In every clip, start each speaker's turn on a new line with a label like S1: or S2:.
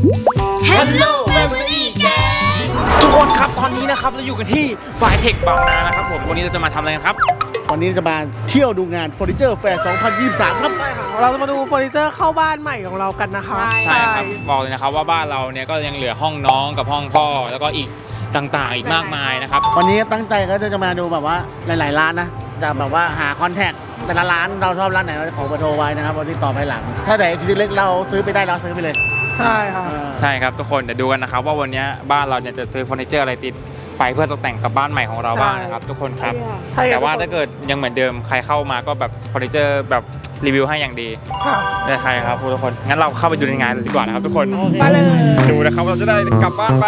S1: Hello Family Gang ทุกคนครับตอนนี้นะครับเราอยู่กันที่ไฟเทคบางนานะครับผมวันนี้เราจะมาทำอะไรกันครับ
S2: วันนี้จะมาเที่ยวดูงานเฟอร์นิเจอร์แฟร์ 2023 ครับ
S3: เราจะมาดูเฟอร์นิเจอร์เข้าบ้านใหม่ของเรากันนะคะ
S1: ใช่ครับบอกเลยนะครับว่าบ้านเราเนี่ยก็ยังเหลือห้องน้องกับห้องพ่อแล้วก็อีกต่างๆอีกมากมายนะครับ
S2: วันนี้ตั้งใจก็จะมาดูแบบว่าหลายๆร้านนะจะแบบว่าหาคอนแทคแต่ละร้านเราชอบร้านไหนเราจะขอเบอร์โทรไว้นะครับวันที่ต่อไปหลังถ้าไหนชิ้นเล็กเราซื้อไปได้เราซื้อไปเลย
S3: ใช่ค่ะ
S1: ใช่ครับทุกคนเดี๋ยวดูกันนะครับว่าวันนี้บ้านเราเนี่ยจะซื้อเฟอร์นิเจอร์อะไรติดไปเพื่อตกแต่งกับบ้านใหม่ของเราบ้างนะครับทุกคนครับแต่ว่าถ้าเกิดยังเหมือนเดิมใครเข้ามาก็แบบเฟอร์นิเจอร์แบบรีวิวให้อย่างดีได้ใครครับทุกคนงั้นเราเข้าไปดูในงานดีกว่านะครับทุกคน
S3: ไปเลย
S1: ดูนะครับเราจะได้กลับบ้านไป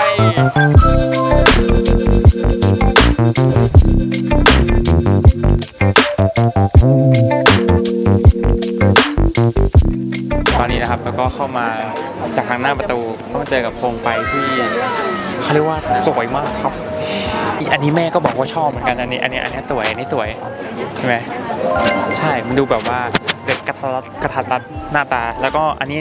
S1: ตอนนี้นะครับแล้วก็เข้ามาจากทางหน้าประตูก็มาเจอกับโคมไฟที่เขาเรียกว่าสวยมากครับอันนี้แม่ก็บอกว่าชอบเหมือนกันอันนี้สวยอันนี้สวยใช่ไหมใช่มันดูแบบว่าเด็กกระทัดรัดหน้าตาแล้วก็อันนี้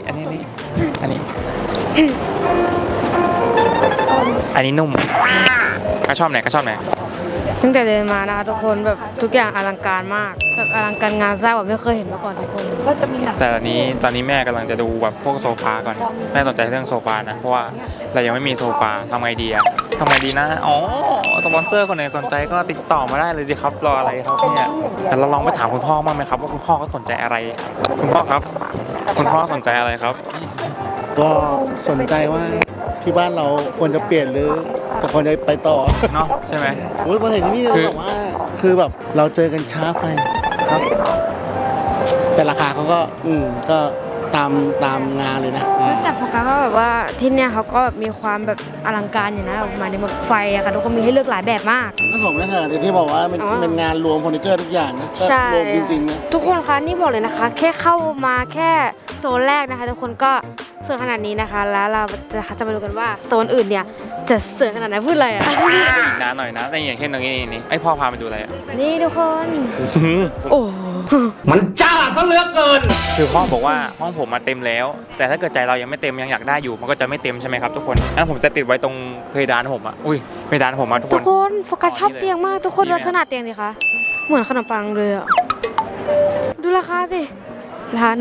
S1: นุ่มก็ชอบไหน
S4: ตั้งแต่เดินมานะคะทุกคนแบบทุกอย่างอลังการมากแบบอลังการงานสร้างแบบไม่เคยเห็นมาก่อนทุกคน
S3: ก็จะมี
S1: แต่ตอนนี้แม่กำลังจะดูแบบพวกโซฟาก่อนแม่สนใจเรื่องโซฟานะเพราะว่าเรายังไม่มีโซฟาทำไงดีนะอ๋อสปอนเซอร์คนไหนสนใจก็ติดต่อมาได้เลยสิครับรออะไรครับเนี่ยแต่เราลองไปถามคุณพ่อบ้างไหมครับว่าคุณพ่อเขาสนใจอะไรคุณพ่อครับคุณพ่อสนใจอะไรครับ
S2: ก็สนใจว่าที่บ้านเราควรจะเปลี่ยนหรือจะควรจะไปต่อ
S1: เนาะใช่ไหม
S2: มาเห็นที่นี่เราบอกว่าคือแบบเราเจอกันช้าไปครับแต่ราคาเขาก็ตามงานเลยนะ
S4: แต่โฟกัสว่าแบบว่าที่เนี่ยเขาก็แบบมีความแบบอลังการอยู่นะออกมาในแบบไฟอะค่ะทุกคนมีให้เลือกหลายแบบมาก
S2: ก็สมแล้วค่ะที่บอกว่าเป็นงานรวมเฟอร์นิเจอร์ทุกอย่างนะรวมจริงๆนะ
S4: ทุกคนคะนี่บอกเลยนะคะแค่เข้ามาแค่โซนแรกนะคะทุกคนก็สวยขนาดนี้นะคะแล้วเราจะมาดูกันว่าโซนอื่นเนี่ยจะสวยขนาดไหนพูดอะไรอ่ะ
S1: อีกนานหน่อยนะแต่อย่างเช่นตรงนี้ไอพ่อพาไปดูอะไรอ่ะ
S4: นี่ทุกคนโอ้
S2: มันจ้าซะเหลือเกิน
S1: คือพ่อบอกว่าห้องผมมาเต็มแล้วแต่ถ้าเกิดใจเรายังไม่เต็มยังอยากได้อยู่มันก็จะไม่เต็มใช่ไหมครับทุกคนงั้นผมจะติดไว้ตรงเพดานผมอ่ะเพดานผมอ่ะ
S4: ทุกคนโฟกัสชอบเตียงมากทุกคนลักษณะเตียงดิคะเหมือนขนมปังเลยอ่ะดูราคาสิราคา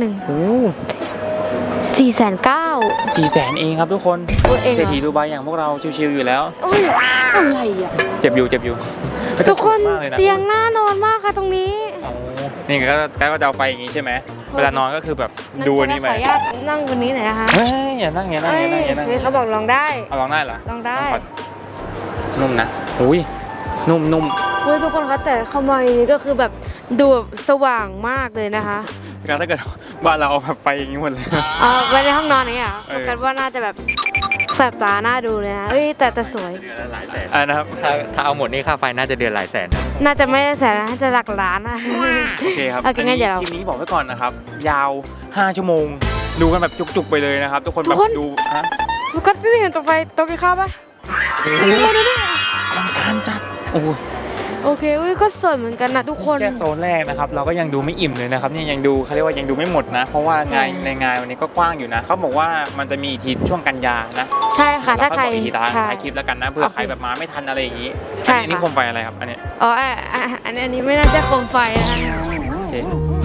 S4: 490,000
S1: เองครับทุกคนเศรษฐีดูไบอย่างพวกเราชิวๆอยู่แล้ว
S4: อะไรอ่ะ
S1: เจ็บอยู่
S4: ทุกคนเตียงน่านอนมากค่ะตรงนี้
S1: นี่ก็จะเอาไฟอย่างนี้ใช่ไหมเวลานอนก็คือแบบดูอันนี้ไหม
S4: ขออนุญาตนั่งบนนี้หน่อยนะคะ
S1: เฮ้ยอย่านั่ง
S4: เขาบอกลองได้
S1: ลองได้เหรอ
S4: ลองได้
S1: นุ่มนะนุ่ม
S4: ทุกคนคะแต่เข้ามานี้ก็คือแบบดูสว่างมากเลยนะคะ
S1: ถ้าเกิดบ้านเราเอาแบบไฟอย่างนี้หมดเลย
S4: ไว้ในห้องนอนนี่อ่ะกันว่าน่าจะแบบแสบตาน่าดูเลยนะแต่สวย
S1: เดือนหลายแสนนะครับถ้าเอาหมดนี่ค่าไฟน่าจะเดือนหลายแสน
S4: น่าจะไม่แสนน่าจะหลักล้านนะ
S1: โอเคครับงั้นเดี๋ยวคลิปนี้บอกไว้ก่อนนะครับยาว5 ชั่วโมงดูกันแบบจุกๆไปเลยนะครับทุกคนแบบดู
S4: ทุกคนพี่เห็นตรงไฟตรงกินข้าวปะ
S1: อลังการจัด
S4: โอเคก็สวยเหมือนกันนะทุกคน
S1: แค่โซนแรกนะครับเราก็ยังดูไม่อิ่มเลยนะครับนี่ยังดูเขาเรียกว่ายังดูไม่หมดนะเพราะว่างานในงานวันนี้ก็กว้างอยู่นะเขาบอกว่ามันจะมีทีช่วงกันยานะ
S4: ใช่ค่ะถ้าใคร
S1: ถ่ายคลิปแล้วกันนะเพื่อใครแบบมาไม่ทันอะไรอย่างนี้อันนี้โคมไฟอะไรครับอันนี้
S4: อันนี้ไม่น่าจะโคมไฟนะคะ
S1: โอเค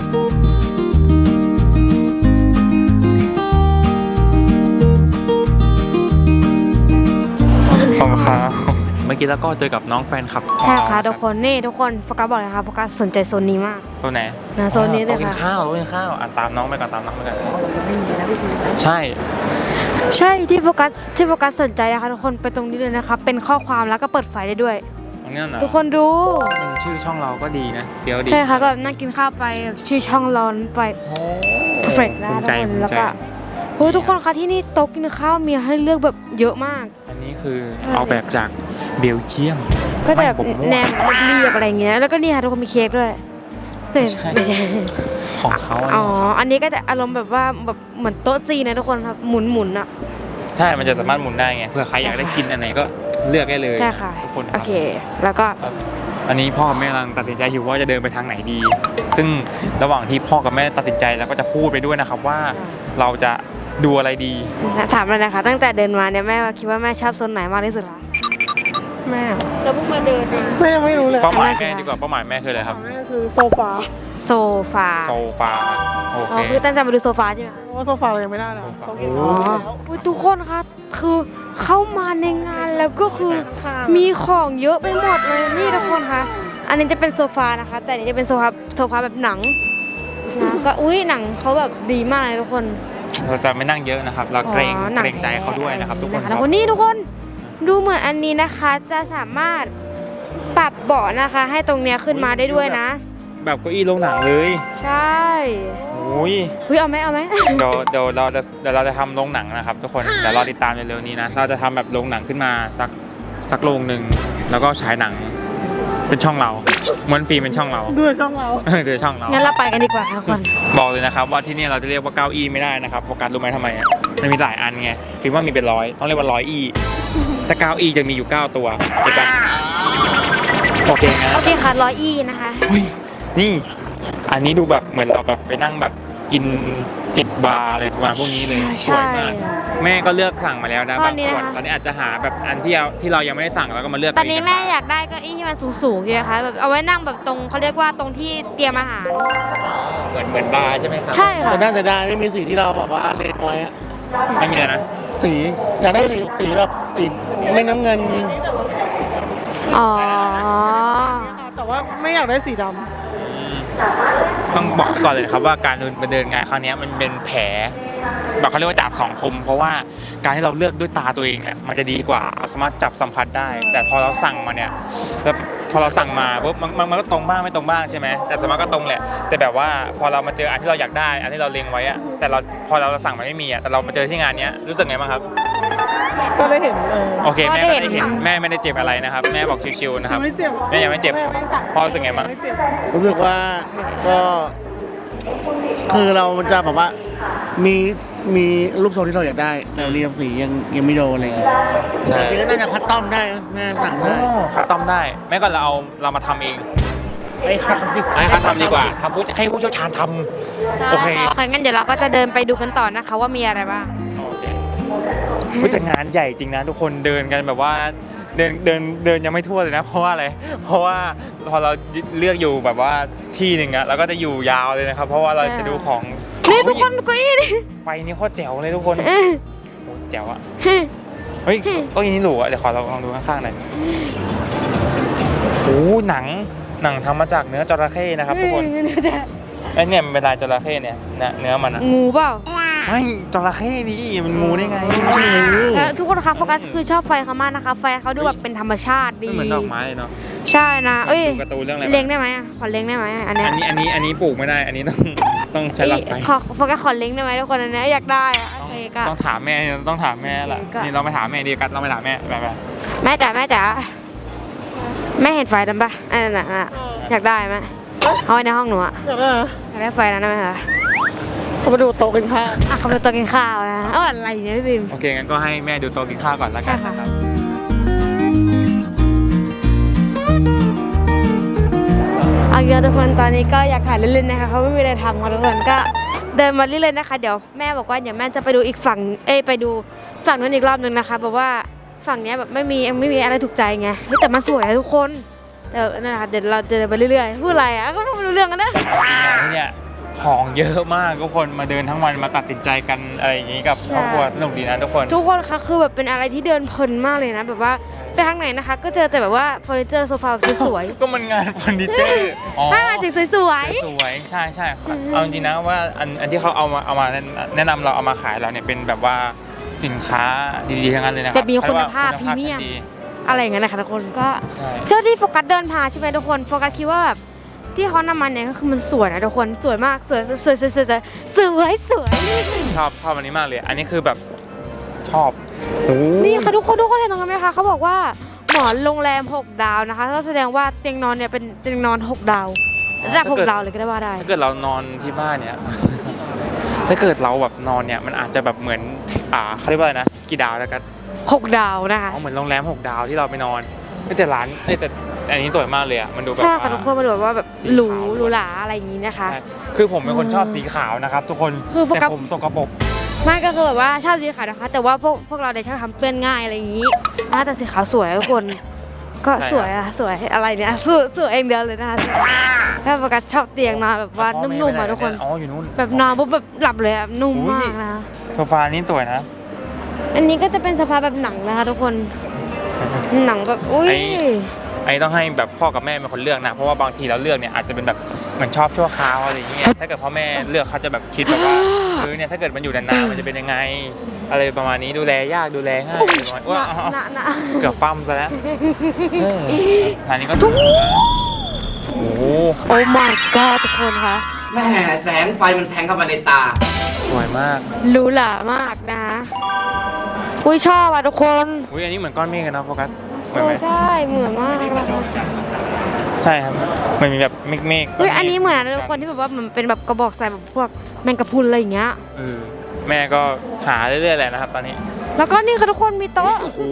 S1: ขอบคุณครับเมื่อกี้แล้วก็เจอกับน้องแฟนคลับ
S4: ใช่ค่ะทุกคนทุกคนโฟกัสบอกเลยค่ะโฟกัสสนใจโซนนี้มาก
S1: โซนไหน
S4: โซนนี้เลยค่ะ
S1: ข้าวตามน้องไปก่อนใช่
S4: ที่โฟกัสสนใจนะคะทุกคนไปตรงนี้เลยนะคะเป็นข้อความแล้วก็เปิดไฟได้ด้วยทุกคนดู
S1: ชื่อช่องเราก็ดีนะเดี๋ยวดี
S4: ใช่ค่ะก็นั่งกินข้าวไปชื่อช่องร้อนไปperfect นะทุกคนแล้วก็ทุกคนคะที่นี่โต๊ะกินข้าวมีให้เลือกแบบเยอะมาก
S1: อันนี้คือเอาแบบจากเบลเยียม
S4: ก็จะแบบแนมเรียบอะไรเงี้ยแล้วก็นี่ค่ะทุกคนมีเค้กด้วยไม่ใช่
S1: ของเขา
S4: อันนี้ก็จะอารมณ์แบบว่าแบบเหมือนโต๊ะจีนนะทุกคนครับหมุนอ่ะ
S1: ใช่มันจะสามารถหมุนได้ไงเพื่อใครอยากได้กินอันไหนก็เลือกได้เลย
S4: ใช่ค่ะ
S1: ทุกคน
S4: โอเคแล้วก็
S1: อันนี้พ่อกับแม่กำลังตัดสินใจอยู่ว่าจะเดินไปทางไหนดีซึ่งระหว่างที่พ่อกับแม่ตัดสินใจแล้วก็จะพูดไปด้วยนะครับว่าเราจะดูอะไรดี
S4: ถามเลยนะคะตั้งแต่เดินมาเนี่ยแม่คิดว่าแม่ชอบโซนไหนมากที่สุดคะ
S3: แม่
S4: เราเพิ่งมาเดินเอง
S3: แม่ยังไม่รู้เลย
S1: เป้าหมายแม่ดีกว่าเป้าหมายแม่คืออะไรครับ
S3: แม่คือโซฟา
S4: โซฟา
S1: โซฟาโอ
S4: อ๋
S1: เค
S4: อคือตั้งใจมาดูโซฟาใช่ไหมคะ
S3: เพราะว่าโซฟาเรายังไม่ได้เลย
S1: โซฟา
S3: ต้องกิน
S4: อ๋ออุ๊ยทุกคนคะคือเข้ามาในงานแล้วก็คือ
S3: ค่ะ
S4: มีของเยอะไปหมดเลยนี่ทุกคนคะอันนี้จะเป็นโซฟานะคะ แต่อันนี้จะเป็นโซฟาแบบหนังนะก็อุ้ยหนังเขาแบบดีมากเลยทุกคน
S1: เราจะไม่นั่งเยอะนะครับ เราเกรง
S4: อ๋อหนั
S1: เกรงใจเขาด้วยนะครับ ทุกคน
S4: แล้วคนนี้ทุกคนดูเหมือนอันนี้นะคะจะสามารถปรับเบาะนะคะ ให้ตรงเนี้ยขึ้นมาได้ด้วยนะ
S1: แบบเก้าอี้โรงหนังเลย
S4: ใช่
S1: โอ้ย
S4: อุ้ยเอาไหมเอาไหม
S1: เดี๋ยวเราจะทำโรงหนังนะครับ ทุกคนเดี๋ยวรอติดตามเร็วๆนี้นะเราจะทำแบบโรงหนังขึ้นมาสักโรงหนึ่งแล้วก็ฉายหนังเป็นช่องเราเหมือนฟิล์มเป็นช่องเรา
S3: ด้วยช่องเรา
S1: คือช่องเรา
S4: งั้นเราไปกันดีกว่าค่ะทุกคน
S1: บอกเลยนะครับว่าที่นี่เราจะเรียกว่าเก้าอี้ไม่ได้นะครับโฟกัสรู้ไหมทำไมอ่ะมันมีหลายอันไงฟิล์มว่ามีเป็นร้อยต้องเรียกว่า100อี้แต่เก้าอี้จะมีอยู่9ตัวเห็นปะโอเคนะ
S4: โอเคค่ะ100 อีนะคะ
S1: อุ้ยนี่อันนี้ดูแบบเหมือนเราแบบไปนั่งแบบกินจิบบาร์อะไรประมาณพวกนี้เลยสวยมากแม่ก็เลือกสั่งมาแล้วนะบางส่วนตอนนี้อาจจะหาแบบอันที่เรายังไม่ได้สั่งแล้วก็มาเลือก
S4: ตอนนี้แม่อยากได้เก้าอี้ที่มันสูงๆใช่ไหมคะแบบเอาไว้นั่งแบบตรงเขาเรียกว่าตรงที่เตรียมอาหาร
S1: เหมือนบาร์ใช่ไหมครับ
S4: ใช่ค่ะ
S2: แต่น่าจะได้ไม่มีสีที่เราบอกว่าเลนไว้อะ
S1: ไม่มีเลยนะ
S2: สีอยากได้สีแบบสีไม่น้ำเงิน
S4: อ๋อ
S3: แต่ว่าไม่อยากได้สีด
S1: ต้องบอกก่อนเลยนะครับว่าการเดินงานครั้งนี้มันเป็นแผลแบบเขาเรียกว่าดาบสองคมเพราะว่าการที่เราเลือกด้วยตาตัวเองเนี่ยมันจะดีกว่าสามารถจับสัมผัสได้ แต่พอเราสั่งมาเนี่ยแล้วพอเราสั่งมาปุ๊บมันก็ตรงบ้างไม่ตรงบ้างใช่ไหมแต่สมมติก็ตรงแหละแต่แบบว่าพอเรามาเจออันที่เราอยากได้อันที่เราเล็งไว้อะแต่พอเราสั่งมันไม่มีอะแต่เรามาเจอที่งานเนี้ยรู้สึกไงบ้างครับ
S3: ำก็ได้เห็น
S1: โอเคแม่ก็ได้เห็นแม่ไม่ได้เจ็บอะไรนะครับแม่บอกชิวๆนะครับ
S3: ไม่เจ็บ
S1: แม่ยังไม่เจ็บพ่อรู้สึกไงบ้าง
S3: ไม่เจ็บ
S2: รู้สึกว่าก็คือเราจะแบบว่ามีรูปทรงที่เราอยากได้แต่เรียงสียังไม่โดนอะไรอย่างเงี้ย
S1: ใช่
S2: จริงๆก็น่าจะคัสตอมได้นะน่าสั่งได้
S1: คัสตอมได้แม่ก็เรามาทำเอง
S2: ไอ้ครับดิ
S1: ให้เขาทำดีกว่าให้ผู้เชี่ยวชาญทำโอเค
S4: โอเคงั้นเดี๋ยวเราก็จะเดินไปดูกันต่อนะคะว่ามีอะไรบ้าง
S1: โอเคแต่งานใหญ่จริงนะทุกคนเดินกันแบบว่าเดินยังไม่ทั่วเลยนะเพราะว่าอะไรเพราะว่าพอเราเลือกอยู่แบบว่าที่หนึ่งอะเราก็จะอยู่ยาวเลยนะครับ เพราะว่าเราจะดูของ
S4: นี่ทุกคนเก้าอี้นี่
S1: ไฟนี่โคตรแจ๋วเลยทุกคน
S4: เอ้ย
S1: โอ้แจ๋วอะเฮ้ยเก็ยินนี่หรูอะเดี๋ยวขอเราลองดูข้างๆหน่อยโอ้หนังทำมาจากเนื้อจระเข้นะครับทุกคนไอ้เนี่ยมันเป็นลายจระเข้เนี่ยเนื้อมันอะ
S4: งูเปล่า
S1: ไม่จระเข้ดิมันงูได้ไงไม่ใช่งู
S4: แล้วทุกคนคะโฟกัสคือชอบไฟเขามากนะคะไฟเขาดูแบบเป็นธรรมชาติดี
S1: ไม่เหมือนดอกไม้เลยเนาะ
S4: ใช่นะเอ้ย
S1: ดูการ์ตูนเรื่องอะไร
S4: เลี้ยงได้ไหมอ่ะขอเลี้ยงได้ไหมอันเนี้ย
S1: อันนี้ปลูกไม่ได้ อันนี้ต้องใช้หลอดไฟ
S4: ขอโฟกัสขอเลี้ยงได้ไหมทุกคนอันเนี้ยอยากได้อะโอเคก็
S1: ต้องถามแม่ล่ะ
S4: ก็
S1: นี่เราไปถามแม่ดีกันเราไปถามแม่ไป
S4: แม่จ๋าแม่เห็นไฟนั้นปะอันนั้นน่ะอยากได้ไหมเอาไว้ในห้องหนูอะ
S3: อยากได้นะ
S4: อยากได้ไฟนั้นได้ไหมคะ
S3: เขามาดูโต๊ะกินข้าว
S4: อ่ะเขาไปตัวกินข้าวนะเอาอะไรเนี่ยพี่บิม
S1: โอเคงั้นก็ให้แม่ดูโต๊ะกินข้าวก่อนแล้วกัน
S4: ค่ะ
S1: นะครับ
S4: เอาเยอะทุกคนตอนนี้ก็อยากถ่ายเล่นๆนะคะเขาไม่มีอะไรทำค่ะทุกคนก็เดินมาเรื่อยๆนะคะ เดี๋ยวแม่บอกว่าเดี๋ยวแม่จะไปดูอีกฝั่งไปดูฝั่งนั้นอีกรอบนึงนะคะแบบว่าฝั่งเนี้ยแบบไม่มีอะไรถูกใจไงเฮ้ยแต่มันสวยอะทุกคนแต่นั่นแหละค่ะเดี๋ยวเราเดินไปเรื่อยๆพูดอะไรอ่ะก็ไม่รู้เรื่องกันนะ
S1: ที่เนี่ยของเยอะมากทุกคนมาเดินทั้งวันมาตัดสินใจกันอะไรอย่างนี้กับครอบครัวสนุกดีนะทุกคน
S4: ทุกคนคะคือแบบเป็นอะไรที่เดินเพลินมากเลยนะแบบว่าไปทางไหนนะคะ ก็เจอแต่แบบว่าเฟอร์นิเจอร์โซฟาสวย
S1: ก็มันงานเฟอร์นิเจอร์อ๋อ
S4: ๆถ้ามาถึงสวย
S1: สวยใช่เอาจริงๆนะว่าอันที่เขาเอามาแนะนำเราเอามาขายเราเนี่ยเป็นแบบว่าสินค้าดีๆทั้งนั้นเลยนะค
S4: ๆ
S1: รั
S4: แบบมีคุณภาพพ
S1: คุ
S4: รี
S1: ณ
S4: เมียม
S1: ชั้นดี
S4: อะไรอย่างเงี้ยนะคะทุกคนก็
S1: ใช่
S4: เชื่อที่โฟกัสเดินผ่านใช่ไหมทุกคนโฟกัสคิดว่าแบบที่เขานำมาเนี่ยก็คือมันสวยนะทุกคนสวยมากสวย
S1: ชอบอันนี้มากเลย อันนี้คือแบบชอบโอ้
S4: นี่ค่ะทุกคนเห็นตรงนั้นไหมคะเขาบอกว่าหมอนโรงแรม6 ดาวนะคะก็แสดงว่าเตียงนอนเนี่ยเป็นเตียงนอน6 ดาวระดับ6 ดาวเลยก็ได้ว่าได้
S1: ถ้าเกิดเรานอนที่บ้านเนี่ย ถ้าเกิดเราแบบนอนเนี่ยมันอาจจะแบบเหมือนเขาเรียกว่าอะไรนะกี่ดาวแล้วกัน
S4: 6 ดาวนะคะ
S1: เหมือนโรงแรม6 ดาวที่เราไปนอนแต่ร้านแต่อันนี้สวยมากเลยอ่ะมันดูแบบ
S4: ใช่ค่ะทุกคนมันแบบว่าแบบ
S1: สี
S4: หรู
S1: ขาว
S4: หรูหราอะไรอย่างนี้นะคะ
S1: ใช่คือผมเป็นคนชอบสีขาวนะครับ ทุกคน
S4: คือโฟกัส
S1: แต่ผมสกปรก
S4: ไม่ก็คือแบบว่าชอบสีขาวนะคะ แต่ว่าพวกเราเนี่ยชอบทำเปื้อนง่ายอะไรอย่างนี้นะแต่สีขาวสวยทุกคน ก็สวยอะสวยอะไรเนี่ยสวยเองเดียวเลยนะคะแค่โฟกัสชอบเตียงนอนแบบว่านุ่มๆอะทุกคน
S1: อ๋ออยู่นู่น
S4: แบบนอนปุ๊บแบบหลับเลยอะนุ่มมากนะ
S1: โซฟานี่สวยนะ
S4: อันนี้ก็จะเป็นโซฟาแบบหนังนะคะทุกคนหนังแบบอุ้ย
S1: ไอ้ต้องให้แบบพ่อกับแม่เป็นคนเลือกนะ เพราะว่าบางทีเราเลือกเนี่ยอาจจะเป็นแบบเหมือนชอบชั่วคราวอะไรอย่างเงี้ยถ้าเกิดพ่อแม่เลือกเขาจะแบบคิดแบบว่าเนี่ยถ้าเกิดมันอยู่นานๆมันจะเป็นยังไง อะไรประมาณนี้ดูแลยากดูแลง่ายอะไรประมาณว่า
S4: นะ
S1: เกือบฟั่มซะแล้วอันนี้ก็สวยนะโอ้โห
S4: โอ้ my god ทุกคนคะ
S5: แม่แสงไฟมันแทงเข้ามาในตา
S1: สวยมาก
S4: หรูหรามากนะอุ้ยชอบอ่ะทุกคน
S1: อุ้ยอันนี้เหมือนก้อนเมฆกันนะโฟกัสเหมือนไหม
S4: ใช่เหมือนมากนะคะ
S1: ใช่ครับมันมีแบบเมฆ
S4: อุ้ยอันนี้เหมือนนะทุกคนที่แบบว่ามันเป็นแบบกระบอกใส่แบบพวกแมงกะพรุนอะไรอย่างเงี้ย
S1: แม่ก็หาเรื่อยๆแหละนะครับตอนนี้
S4: แล้วก็นี่ค่ะทุกคนมีโต๊ะ
S1: โอ้โห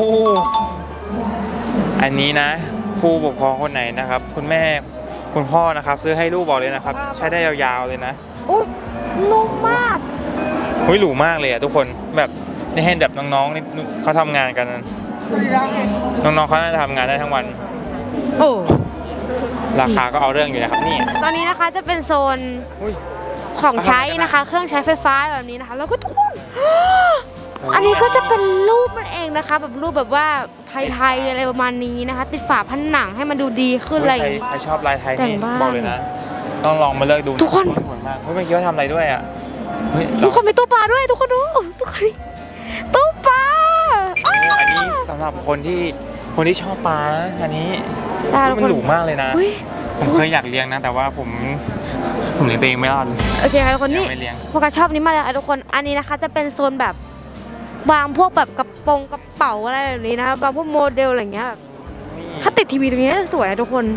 S1: อันนี้นะ ผู้ปกครองคนไหนนะครับ คุณแม่คุณพ่อนะครับซื้อให้ลูกบอกเลยนะครับ ใช้ได้ยาวๆเลยนะ
S4: อุ้ยนุ่มมาก
S1: หุ้ยหรูมากเลยอะทุกคนแบบนี่ให้แบบน้องๆนี่เขาทำงานกันน้องๆเขาน่าจะทำงานได้ทั้งวัน
S4: โอ้
S1: ราคาก็เอาเรื่องอยู่นะครับนี่
S4: ตอนนี้นะคะจะเป็นโซน
S1: อุ้ย
S4: ของใช้นะคะ เครื่องใช้ไฟฟ้าแบบนี้นะคะ แล้วก็ทุกคน อันนี้ก็จะเป็นรูปมันเองนะคะ แบบรูปแบบว่าไทยๆอะไรประมาณนี้นะคะ ติดฝาผนังให้มันดูดีขึ้นอะไรอย่างนี้
S1: ใครชอบลายไทย
S4: แต่
S1: นี่
S4: งบ้าน
S1: บอกเลยนะ ต้องลองมาเลือกดู
S4: ทุกคน
S1: สวยมากเฮ้ยเมื่อกี้ว่าทำอะไรด้วยอ่ะเฮ้ย
S4: ทุกคนมีตู้ปลาด้วยทุกคนดูทุกคนตู้ปลา
S1: อันนี้สำหรับคนที่ชอบปลานะอันนี้
S4: ได้ทุก
S1: มัน
S4: คน
S1: หรูมากเลยนะ
S4: อุ๊ย
S1: ผมเคยอยากเลี้ยงนะ แต่ว่าผมเลี้ยงตัวเองไม่รอดเลย
S4: โอเคค่ะทุกคนนี่
S1: ยังไม่เลี้ยง
S4: พวกเราชอบนี้มากเลยค่ะทุกคนอันนี้นะคะจะเป็นโซนแบบวางพวกแบบกระเป๋าอะไรแบบนี้นะคะวางพวกโมเดลอะไรอย่างเงี้ยแบบถ้าติดทีวีตรงนี้น่าจะสวยนะทุกคน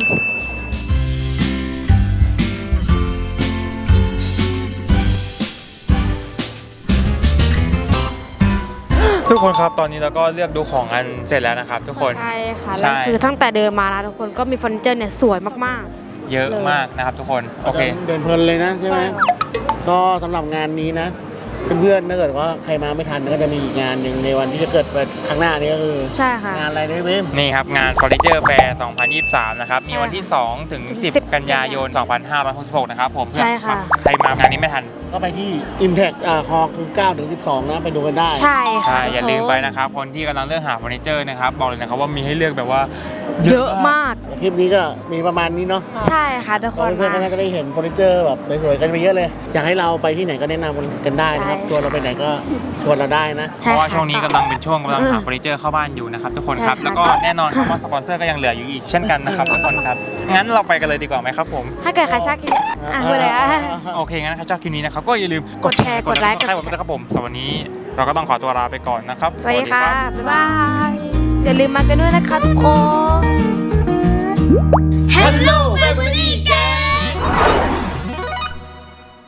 S1: ทุกคนครับตอนนี้เราก็เลือกดูของกันเสร็จแล้วนะครับ ทุกคน
S4: ใช่ค่ะ
S1: ใช่
S4: แล้วคือตั้งแต่เดินมานะทุกคนก็มีเฟอร์นิเจอร์เนี่ยสวยมาก
S1: เยอะมากนะครับ ทุกคนโอเค
S2: เดินเพลินเลยนะใช่ไหมก็สำหรับงานนี้นะเพื่อนๆถ้าเกิดว่าใครมาไม่ทันก็จะมีอีกงานหนึ่งในวันที่จะเกิดครั้งหน้านี้ก็คือ
S4: ๆ ใช่ค่ะ
S2: งานอะไรนะเว้ย
S1: นี่ครับงาน Furniture Fair 2023 นะครับมีวันที่ 2 ถึง 10 กันยายน 2566 นะครับผม
S4: ใช่ค่ะ
S1: ใครมางานนี้ไม่ทัน
S2: ก็ไปที่ Impact ฮอคือ9ถึง12นะไปดูกันได้
S4: ใช่ค่ะ
S1: อย่าลืมไปนะครับ คนที่กำลังเลือกหาเฟอร์นิเจอร์นะครับบอกเลยนะครับว่ามีให้เลือกแบบว่า
S4: เยอะมาก
S2: คลิปนี้ก็มีประมาณนี้เนาะ
S4: ใช่ค่ะทุกค
S2: ก็
S4: น
S2: เพื่อนๆก็น่าจะได้เห็นเฟอร์นิเจอร์แบบสวยๆกันไปเยอะเลย อยากให้เราไปที่ไหนก็แนะนำกันได้นะครับ
S4: ใช่
S2: ชวนเราไปไหนก็ชวนเราได้นะ
S1: เพ
S4: ใช่
S1: ราะว่า
S4: ค่ะ
S1: ช่วงนี้กำลังเป็นช่วงกำลังหาเฟอร์นิเจอร์เข้าบ้านอยู่นะครับทุกคนครับ
S4: ใช่ค่ะ
S1: แล้วก็แน่นอนคำว่าสปอนเซอร์ก็ยังเหลืออยู่อีกเช่นกันนะครับทุกคนครับงั้นเราไปกันเลยดีกว่าไหมครับผม
S4: ถ้าเกิดใครชอบคลิปนี้อ่ะพูดเลยอ่ะ
S1: โอเคงั้นถ้าชอบคลิปนี้นะครับก็อย่าลืม
S4: กดแชร์กดไลค์
S1: กด subscribe ผมด้วยนะครับผมสำหรับวันนี้เราก็ต้องขอตัวลาไปก่อนนะครับ
S4: สวัสดีค่ะ บ๊ายบาย อย่าลืมมากันด้วยนะคะทุกคน